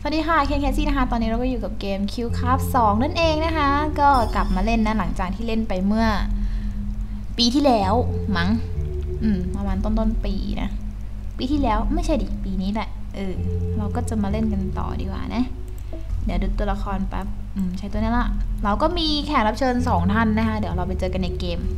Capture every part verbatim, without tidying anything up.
วัสดีค่ะเคนแคซี่นะคะตอนนี้เราก็อยู่กับเกม Qcraft สองนั่นเองนะคะก็กลับมาเล่นนะหลังจากที่เล่นไปเมื่อปีที่แล้วมั้งอืมประมาณต้นต้นปีนะปีที่แล้วไม่ใช่ดิปีนี้แหละเออเราก็จะมาเล่นกันต่อดีกว่านะเดี๋ยวดูตัวละครแป๊บอืมใช้ตัวนี้ละเราก็มีแขกรับเชิญสองท่านนะคะเดี๋ยวเราไปเจอกันในเกม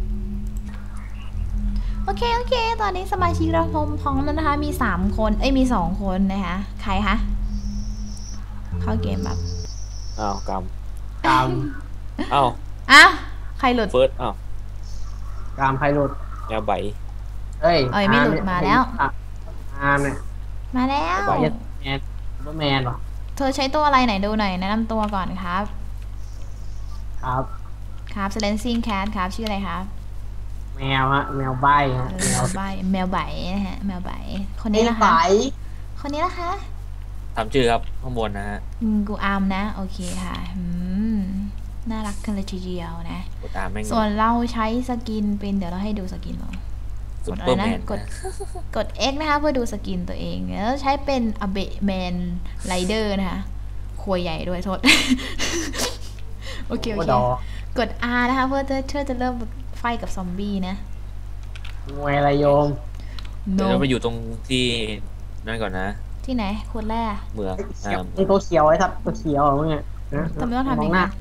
โอเคโอเคตอนนี้สมาชิกเราพร้อมแล้วนะคะมีสามคนเอ้ยมีสองคนนะคะใครคะเข้าเกมแบบอ้าวกำกามอ้าวอ้าวใครหลุดเฟิร์สอ้าวกามใครหลุดแนวใบเอ้ยเอ้ยไม่หลุดมาแล้วอามเนี่ยมาแล้วแมนซูเปอร์แมนหรอเธอใช้ตัวอะไรไหนดูหน่อยแนะนำตัวก่อนครับครับครับ Silencing Cat ครับชื่ออะไรครับแมวฮะแมวใบฮะแมวใบแมวใบนะฮะแมวใบคนนี้นะคะคนนี้นะคะถามชื่อครับข้างบนนะฮะกูอามนะโอเคค่ะน่ารักกันเลยทีเดียวนะส่วนเราใช้สกินเป็นเดี๋ยวเราให้ดูสกินเรากดอะไรนะกดกด X นะคะเพื่อดูสกินตัวเองแล้วใช้เป็นอเบะแมนไรเดอร์นะคะครัวใหญ่ด้วยโทษโอเคโอเคกด R นะคะเพื่อจะเชื่อจะเริ่มไฟกับซอมบี้นะมวยอะไรโยมเดี๋ยวเราไปอยู่ตรงที่นั่นก่อนนะที่ไหนคนแรกเมืองไอ้ตัวเขียวไอ้ทับตัวเขียวเหรอมึงอ่ะทำไมต้องทำอย่างนี้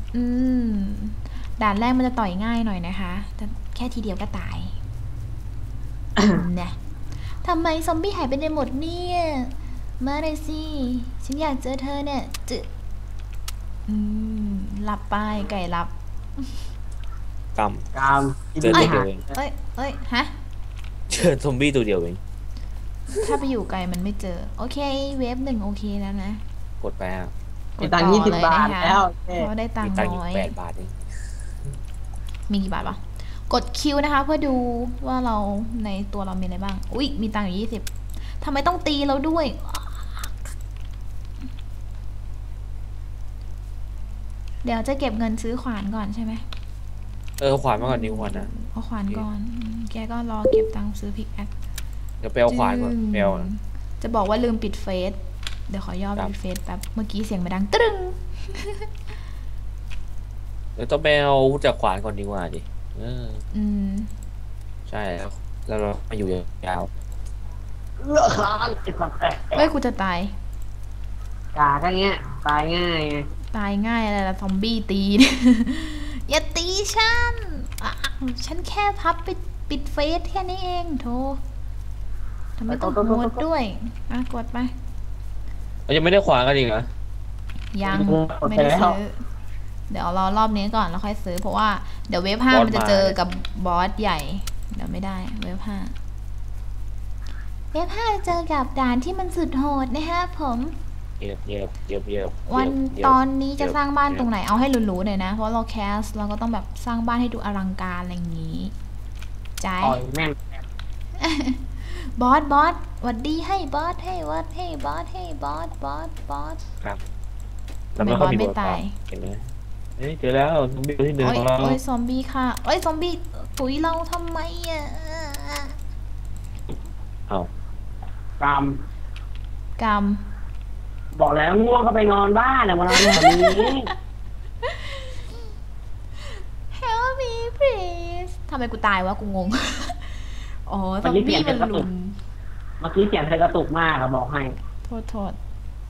ด่านแรกมันจะต่อยง่ายหน่อยนะคะแต่แค่ทีเดียวก็ตายเนี่ยทำไมซอมบี้หายไปในหมดเนี่ยมาเลยสิฉันอยากเจอเธอเนี่ยจึอืมหลับไปไก่หลับกำกามเจอตัวเดียวเองเอ้ยเอ้ยฮะเจอซอมบี้ตัวเดียวเองถ้าไปอยู่ไกลมันไม่เจอโอเคเวฟหนึ่งโอเคแล้วนะกดไปอ่ะมีตังค์ยี่สิบบาทแล้วเพราะได้ตังค์น้อยแปดบาทเองมีกี่บาทวะกดคิวนะคะเพื่อดูว่าเราในตัวเรามีอะไรบ้างอุ๊ยมีตังค์อยู่ยี่สิบทำไมต้องตีเราด้วยเดี๋ยวจะเก็บเงินซื้อขวานก่อนใช่ไหมเออขวานมาก่อนนิ้วขวานนะเอาขวานก่อนแกก็รอเก็บตังค์ซื้อพิกแอคเดี๋ยวไปเอาขวานก่อนไปเอาจะบอกว่าลืมปิดเฟซเดี๋ยวขอย่อปิดเฟซแป๊บเมื่อกี้เสียงมันดังตึ้งเดี๋ยวต้องไปเอาจากขวานก่อนดีกว่าดิเอออืมใช่แล้วแล้วเรามาอยู่ยาวเลือกขาดเฮ้ยกูจะตายกาแค่เงี้ยตายง่ายตายง่ายอะไรล่ะซอมบี้ตีอย่าตีฉันฉันแค่พับไปปิดเฟซแค่นี้เองโธ่ทำไมต้องโหดด้วยอ่ะกดไปเรายังไม่ได้ขวานกันอีกเหรอยังไม่ได้ซื้อเดี๋ยวรอรอบนี้ก่อนแล้วค่อยซื้อเพราะว่าเดี๋ยวเวฟห้ามันจะเจอกับบอสใหญ่เดี๋ยวไม่ได้เวฟห้าเวฟห้าจะเจอกับด่านที่มันสุดโหดนะคะผมเยียบเยียบเยียบเยียบวันตอนนี้จะสร้างบ้านตรงไหนเอาให้หรูๆหน่อยนะเพราะเราแคสเราก็ต้องแบบสร้างบ้านให้ดูอลังการอะไรอย่างนี้ใจบอสบอสหวัดดีให้บอสให้วัดให้บอสให้บอสบอสบอสครับทำไมบอสไม่ตายเห็นไหมเฮ้ยเจอแล้วซอมบี้ที่หนึ่งของเราโอ้ยซอมบี้ค่ะโอ้ยซอมบี้ตุ๋ยเราทำไมอ่ะเอากามกามบอกแล้วง่วงก็ไปนอนบ้านนะมานอนแบบนี้ Help me please ทำไมกูตายวะกูงงอ๋อซอมบี้มันลุมเมื่อกี้เสียงเธอกระตุกมากอะบอกให้โทษโทษ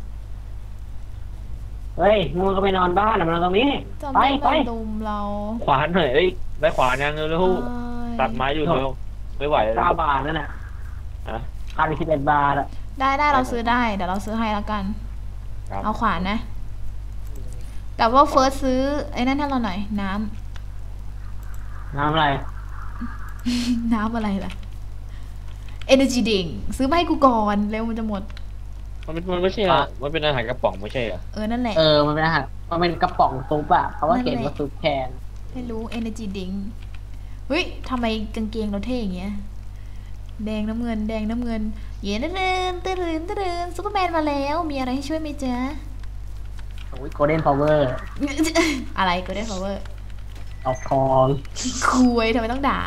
เฮ้ยง่วงก็ไปนอนบ้านนะมานอนตรงนี้ไปไปลุมเราขวานหน่อยเอ้ยได้ขวานยังเร็วตัดไม้อยู่เร็วไม่ไหวเก้าบาทนั่นแหละค่าไปสิบเอ็ดบาทอะได้ได้เราซื้อได้เดี๋ยวเราซื้อให้แล้วกันเอาขวานนะแต่ว่าเฟิร์สซื้อไอ้นั่นให้เราหน่อยน้ำน้ำอะไรน้ำอะไรล่ะ Energy Drink ซื้อมาให้กูก่อนเร็วมันจะหมดมันเป็นมันไม่ใช่อะมันเป็นอาหารกระป๋องไม่ใช่เหรอเออนั่นแหละเออมันเป็นอาหารมันเป็นกระป๋องซุปอะเพราะว่าเขียนว่าซุปแทนไม่รู้ Energy Drink เฮ้ยทำไมกางเกงเราเท่อย่างเงี้ยแดงน้ำเงินแดงน้ำเงินเย็นตื่นตื่นตื่นซูเปอร์แมนมาแล้วมีอะไรให้ช่วยไหมจ๊ะโอ้ยโกลเด้นพาวเวอร์อะไรโกลเด้นพาวเวอร์เอาทองคุยทำไมต้องด่า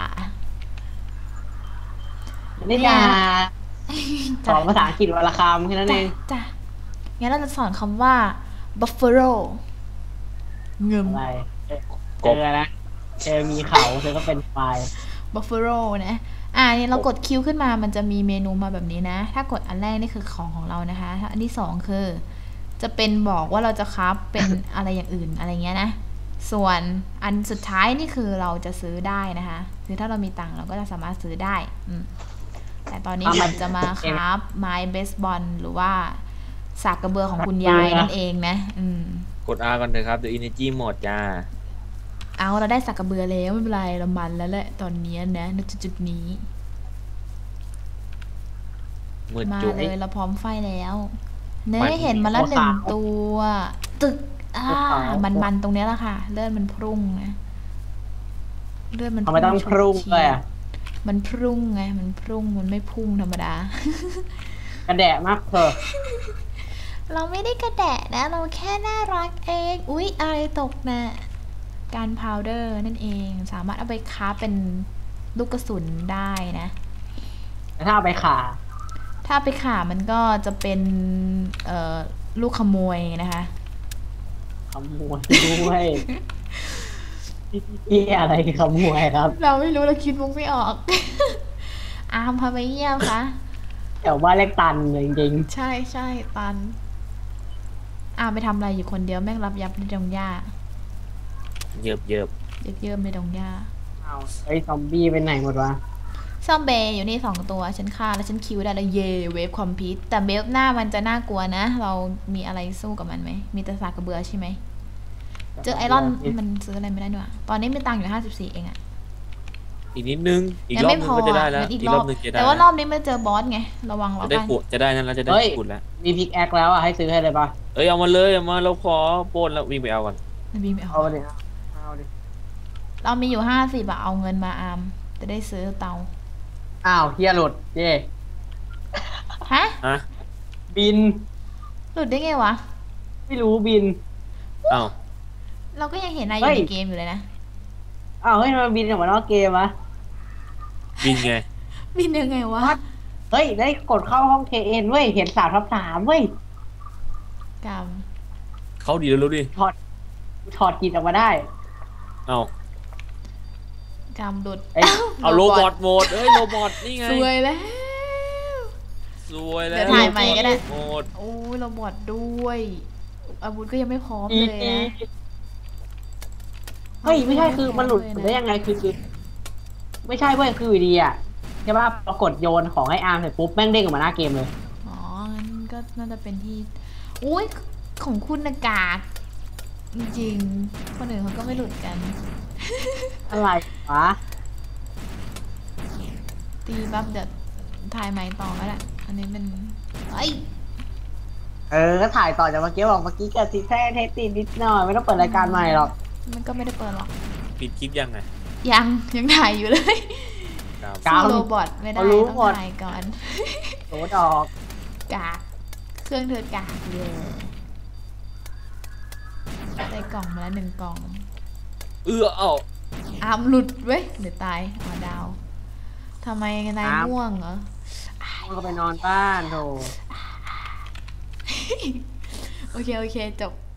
ไม่ด่าสอนภาษาอังกฤษวันละคำแค่นั้นเองจ้ะงั้นเราจะสอนคำว่า buffalo เงิมอะไรเจอนะเจอมีเขาเธอก็เป็นควาย buffalo นะอ่านี่เรากดคิวขึ้นมามันจะมีเมนูมาแบบนี้นะถ้ากดอันแรกนี่คือของของเรานะคะอันที่สองคือจะเป็นบอกว่าเราจะคราฟเป็น อะไรอย่างอื่นอะไรเงี้ยนะส่วนอันสุดท้ายนี่คือเราจะซื้อได้นะคะคือถ้าเรามีตังค์เราก็จะสามารถซื้อได้อืมแต่ตอนนี้ผมจะมาคราฟไม้เบสบอลหรือว่าสากกระเบือของคุณยายนั่นเองนะอืมกด R ก่อนเถอะครับเดี๋ยว energy หมดจ้าเอาเราได้สักกระเบือแล้วไม่เป็นไรเรามันแล้วแหละตอนนี้นะณจุดนี้มาเลยเราพร้อมไฟแล้วเนยเห็นมาแล้วหนึ่งตัวตึกอ่ามันมันตรงนี้แหละค่ะเลือดมันพุ่งนะเลือดมันทำไมต้องพุ่งเลยอ่ะมันพุ่งไงมันพุ่งมันไม่พุ่งธรรมดากระแดะมากเถอะเราไม่ได้กระแดะนะเราแค่น่ารักเองอุ๊ยอะไรตกนะการพาวเดอร์นั่นเองสามารถเอาไปค้าเป็นลูกกระสุนได้นะถ้าเอาไปขาถ้าไปขามันก็จะเป็นเอ่อลูกขโมยนะคะขโมยด้วยนี่อะไรขโมยครับเราไม่รู้เราคิดมุกไม่ออกอามพาไปเยี่ยมคะแถวบ้านเล็กตันจริงๆใช่ใช่ตันอามไปทำอะไรอยู่คนเดียวแม่งรับยับในดงหญ้าเยิบเยิบเยิบเยิบในดงหญ้าเอาไอ้ซอมบี้ไปไหนหมดวะซอมเบย์อยู่นี่สองตัวฉันฆ่าแล้วฉันคิวได้แล้วเย่เวฟคอมพิวแต่เวฟหน้ามันจะน่ากลัวนะเรามีอะไรสู้กับมันไหมมีแต่สากกระเบือใช่ไหมเจอไอรอนมันซื้ออะไรไม่ได้ด้วยตอนนี้มีตังค์อยู่ห้าสิบสี่เองอะอีกนิดนึงอีกรอบนึงก็จะได้แล้วอีกรอบนึงจะได้แต่ว่ารอบนี้ไม่เจอบอสไงระวังเราได้ขุดจะได้นั่นแล้วจะได้ขุดแล้วมีพิกแอคแล้วอ่ะให้ซื้อให้เลยปะเอ้ยเอามาเลยเอามาเราขอโปนแล้ววิ่งไปเอาก่อนวิ่งไปเอาเอาดิเอาดิเรามีอยู่ห้าสิบอะเอาเงินมาอามจะได้ซื้อเตาอ้าวเฮียหลุดเย่ฮะฮะบินหลุดได้ไงวะไม่รู้บินอ้าวเราก็ยังเห็นนายอยู่ในเกมอยู่เลยนะอ้าวเฮ้ยมันบินออกมานอกเกมวะบินไงบินยังไงวะเฮ้ยได้กดเข้าห้องเคเอ็นเว้ยเห็นสามทับสามเว้ยกรรมเขาดีแล้วดิถอดถอดกินออกมาได้เอากรรมดุดเอาโรบอทโหมดเอ้ยโรบอทนี่ไงสวยแล้วสวยแล้วเดี๋ยวถ่ายใหม่ก็ได้โอ้ยโรบอทด้วยอาวุธก็ยังไม่พร้อมเลยนะเฮ้ยไม่ใช่คือมันหลุดได้ยังไงคือคือไม่ใช่เว้ยคือดีอ่ะใช่ป่ะปรากฏโยนของให้อาร์มเสร็จปุ๊บแม่งเด้งออกมาหน้าเกมเลยอ๋องั้นก็น่าจะเป็นที่อุ้ยของคุณอากาศจริงๆคนอื่นเขาก็ไม่หลุดกันอะไรวะตีปั๊บเดี๋ยวถ่ายใหม่ต่อก็ได้อันนี้เป็นไอเออก็ถ่ายต่อจากเมื่อกี้บอกเมื่อกี้เกิดติดแท้เทสติดนิดหน่อยไม่ต้องเปิดรายการใหม่หรอกมันก็ไม่ได้เปิดหรอกปิดคลิปยังไงยังยังถ่ายอยู่เลยสู้โรบอทไม่ได้ต้องถ่ายก่อนโหดอกกากเครื่องเธอกากเลยได้กล่องมาแล้วหนึ่งกล่องเออเอาอามหลุดเว้ยเดี๋ยวตายอ๋อดาวทำไมนายง่วงเหรอก็ไปนอนบ้านโธ่โอเคโอเคจบ